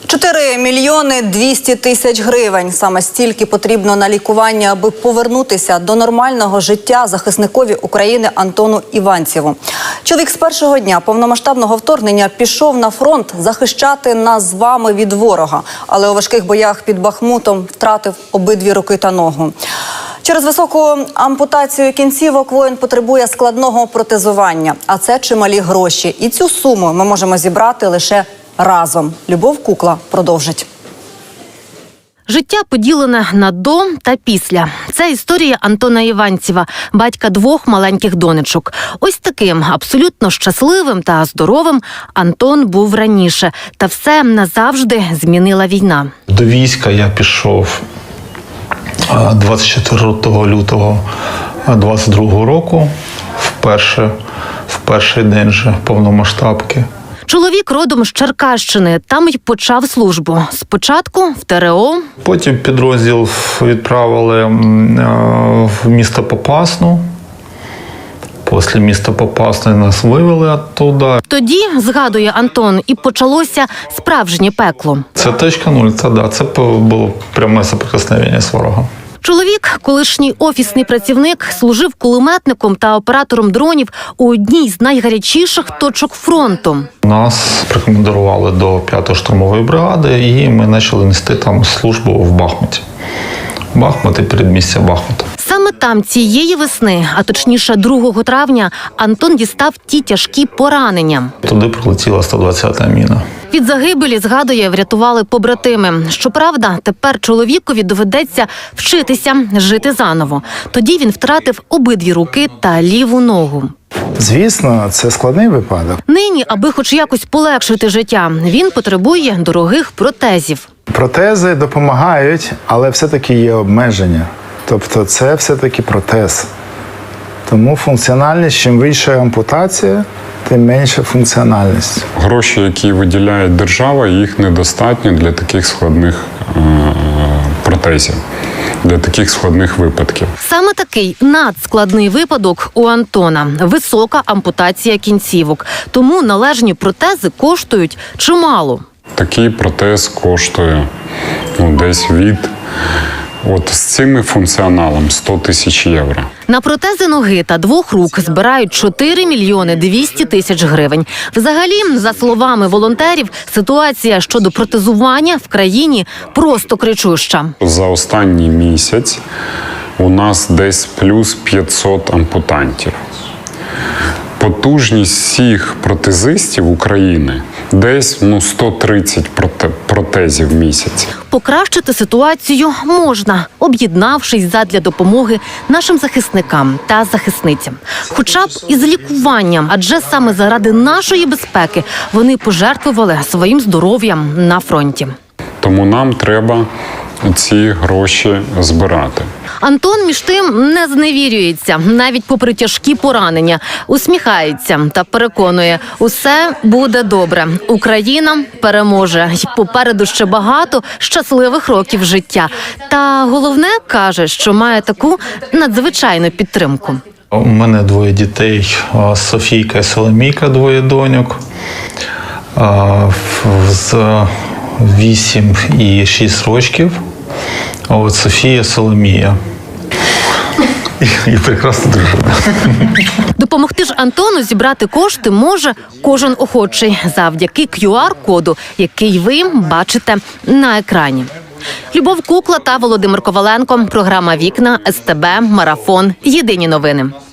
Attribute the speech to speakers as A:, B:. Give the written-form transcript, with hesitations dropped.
A: 4 мільйони 200 тисяч гривень. Саме стільки потрібно на лікування, аби повернутися до нормального життя захисникові України Антону Іванцєву. Чоловік з першого дня повномасштабного вторгнення пішов на фронт захищати нас з вами від ворога. Але у важких боях під Бахмутом втратив обидві руки та ногу. Через високу ампутацію кінцівок воїн потребує складного протезування. А це чималі гроші. І цю суму ми можемо зібрати лише разом. Любов Кукла продовжить.
B: Життя поділене на до та після. Це історія Антона Іванцєва, батька двох маленьких донечок. Ось таким абсолютно щасливим та здоровим Антон був раніше. Та все назавжди змінила війна.
C: До війська я пішов 24 лютого 22 року, в перший день же повномасштабки.
B: Чоловік родом з Черкащини, там й почав службу. Спочатку в ТРО.
C: Потім підрозділ відправили в місто Попасну. Після міста Попасної нас вивели оттуда.
B: Тоді, згадує Антон, і почалося справжнє пекло.
C: Це точка нуль, це було пряме соприкосновення з ворогом.
B: Чоловік, колишній офісний працівник, служив кулеметником та оператором дронів у одній з найгарячіших точок фронту.
C: Нас прикомандирували до 5-ї штурмової бригади, і ми почали нести там службу в Бахмуті. Бахмут і передмістя Бахмута.
B: Саме там цієї весни, а точніше 2 травня, Антон дістав ті тяжкі поранення.
C: Туди прилетіла 120-та міна.
B: Від загибелі, згадує, врятували побратими. Щоправда, тепер чоловікові доведеться вчитися жити заново. Тоді він втратив обидві руки та ліву ногу.
D: Звісно, це складний випадок.
B: Нині, аби хоч якось полегшити життя, він потребує дорогих протезів.
D: Протези допомагають, але все-таки є обмеження. Тобто це все-таки протез. Тому функціональність, чим вища ампутація, тим менша функціональність.
E: Гроші, які виділяє держава, їх недостатньо для таких складних протезів, для таких складних випадків.
B: Саме такий надскладний випадок у Антона – висока ампутація кінцівок. Тому належні протези коштують чимало.
E: Такий протез коштує десь з цим функціоналом 100 тисяч євро.
B: На протези ноги та 2 рук збирають 4 мільйони 200 тисяч гривень. Взагалі, за словами волонтерів, ситуація щодо протезування в країні просто кричуща.
E: За останній місяць у нас десь плюс 500 ампутантів. Потужність всіх протезистів України десь 130 протезів в місяць.
B: Покращити ситуацію можна, об'єднавшись задля допомоги нашим захисникам та захисницям. Хоча б із лікуванням, адже саме заради нашої безпеки вони пожертвували своїм здоров'ям на фронті.
E: Тому нам треба ці гроші збирати.
B: Антон, між тим, не зневірюється, навіть попри тяжкі поранення. Усміхається та переконує, усе буде добре. Україна переможе. І попереду ще багато щасливих років життя. Та головне, каже, що має таку надзвичайну підтримку.
C: У мене 2 дітей, Софійка і Соломійка, 2 доньок. З 8 і 6 років. А от Софія, Соломія. І прекрасна дружина.
B: Допомогти ж Антону зібрати кошти може кожен охочий завдяки QR-коду, який ви бачите на екрані. Любов Кукла та Володимир Коваленко. Програма «Вікна», СТБ, Марафон. Єдині новини.